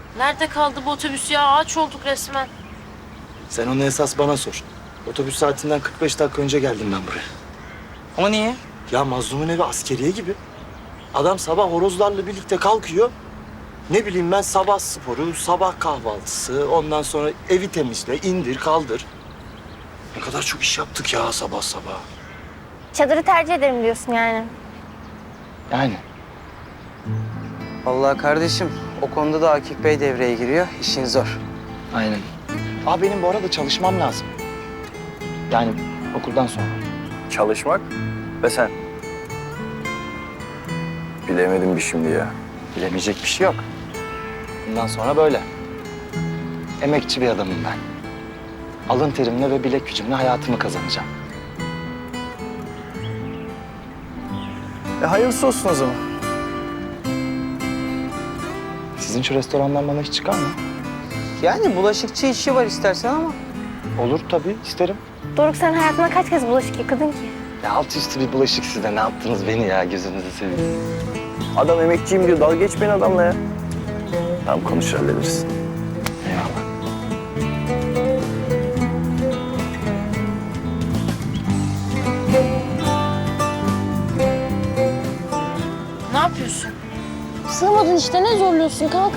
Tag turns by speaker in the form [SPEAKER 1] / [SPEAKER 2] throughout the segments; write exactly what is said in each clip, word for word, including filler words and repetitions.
[SPEAKER 1] Nerede kaldı bu otobüs ya? Ağaç olduk resmen.
[SPEAKER 2] Sen onu esas bana sor. Otobüs saatinden kırk beş dakika önce geldim ben buraya.
[SPEAKER 3] Ama niye?
[SPEAKER 2] Ya Mazlum'un evi askeriye gibi. Adam sabah horozlarla birlikte kalkıyor. Ne bileyim ben sabah sporu, sabah kahvaltısı, ondan sonra evi temizle, indir, kaldır. Ne kadar çok iş yaptık ya sabah sabah.
[SPEAKER 4] Çadırı tercih ederim diyorsun yani.
[SPEAKER 2] Yani
[SPEAKER 3] Vallahi kardeşim o konuda da Akif Bey devreye giriyor. İşin zor.
[SPEAKER 2] aynen. Aa benim bu arada çalışmam lazım. Yani okuldan sonra.
[SPEAKER 5] Çalışmak ve sen. Bilemedim bir şimdi ya.
[SPEAKER 2] Bilemeyecek bir şey yok. Bundan sonra böyle. Emekçi bir adamım ben. Alın terimle ve bilek gücümle hayatımı kazanacağım.
[SPEAKER 5] E hayırlısı olsun o zaman.
[SPEAKER 2] Sizin şu restorandan bana hiç çıkar mı?
[SPEAKER 3] Yani bulaşıkçı işi var istersen ama.
[SPEAKER 2] Olur tabii, isterim.
[SPEAKER 4] Doruk, sen hayatında kaç kez bulaşık yıkadın ki?
[SPEAKER 2] Ya alt üstü bir bulaşık size. Ne yaptınız beni ya? Gözünüzü seveyim.
[SPEAKER 5] Adam emekçiyim diyor. Dalga geçmeyin adamla ya. Tamam konuş hallederiz.
[SPEAKER 2] Eyvallah.
[SPEAKER 1] Ne yapıyorsun?
[SPEAKER 4] Sığmadın işte, ne zorluyorsun, kalk.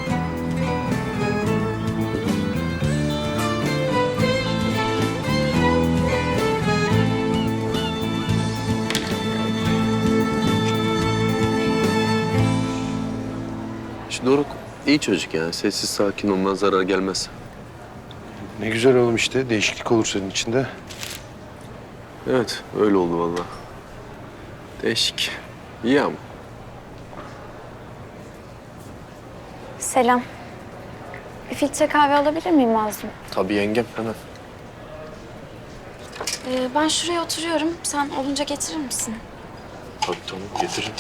[SPEAKER 6] Şu Doruk iyi çocuk yani. Sessiz sakin ondan zarar gelmez.
[SPEAKER 7] Ne güzel oğlum işte. Değişiklik olur senin içinde.
[SPEAKER 6] Evet öyle oldu vallahi. Değişik. İyi ama.
[SPEAKER 8] Selam. Bir filtre kahve alabilir miyim Mazlum?
[SPEAKER 6] Tabii yengem hemen.
[SPEAKER 8] Ee, ben şuraya oturuyorum. Sen olunca getirir misin?
[SPEAKER 6] Tabii tamam getiririm.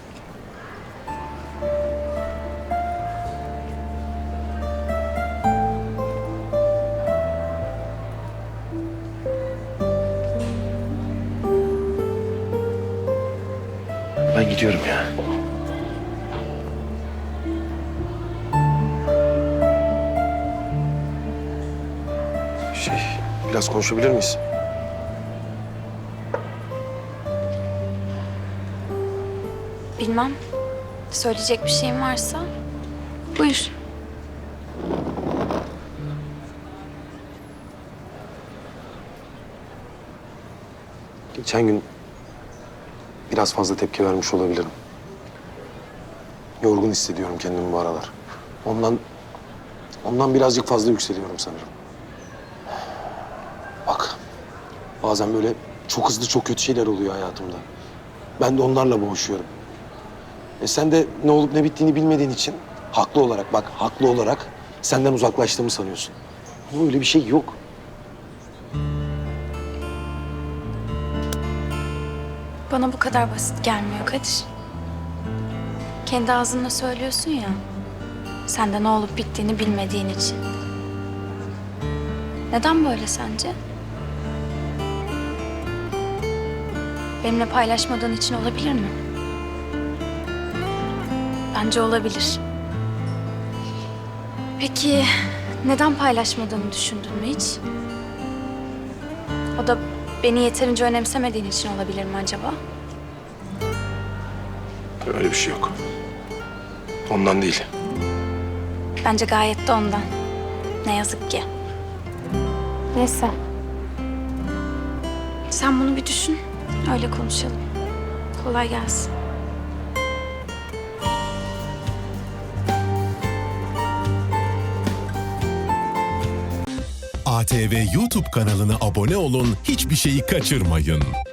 [SPEAKER 7] Ben gidiyorum ya. Şey, biraz konuşabilir miyiz?
[SPEAKER 8] Bilmem. Söyleyecek bir şeyin varsa buyur.
[SPEAKER 7] Geçen gün biraz fazla tepki vermiş olabilirim. Yorgun hissediyorum kendimi bu aralar. Ondan, ondan birazcık fazla yükseliyorum sanırım. Bak, bazen böyle çok hızlı çok kötü şeyler oluyor hayatımda. Ben de onlarla boğuşuyorum. E sen de ne olup ne bittiğini bilmediğin için haklı olarak, bak haklı olarak senden uzaklaştığımı sanıyorsun. Ama öyle bir şey yok.
[SPEAKER 8] Bana bu kadar basit gelmiyor Kadir. Kendi ağzınla söylüyorsun ya. Sen de ne olup bittiğini bilmediğin için. Neden böyle sence? Benimle paylaşmadığın için olabilir mi? Bence olabilir. Peki neden paylaşmadığını düşündün mü hiç? O da beni yeterince önemsemediğin için olabilir mi acaba?
[SPEAKER 7] Öyle bir şey yok. Ondan değil.
[SPEAKER 8] Bence gayet de ondan. Ne yazık ki.
[SPEAKER 4] Neyse.
[SPEAKER 8] Sen bunu bir düşün. Öyle konuşalım. Kolay gelsin.
[SPEAKER 9] A T V YouTube kanalına abone olun, hiçbir şeyi kaçırmayın.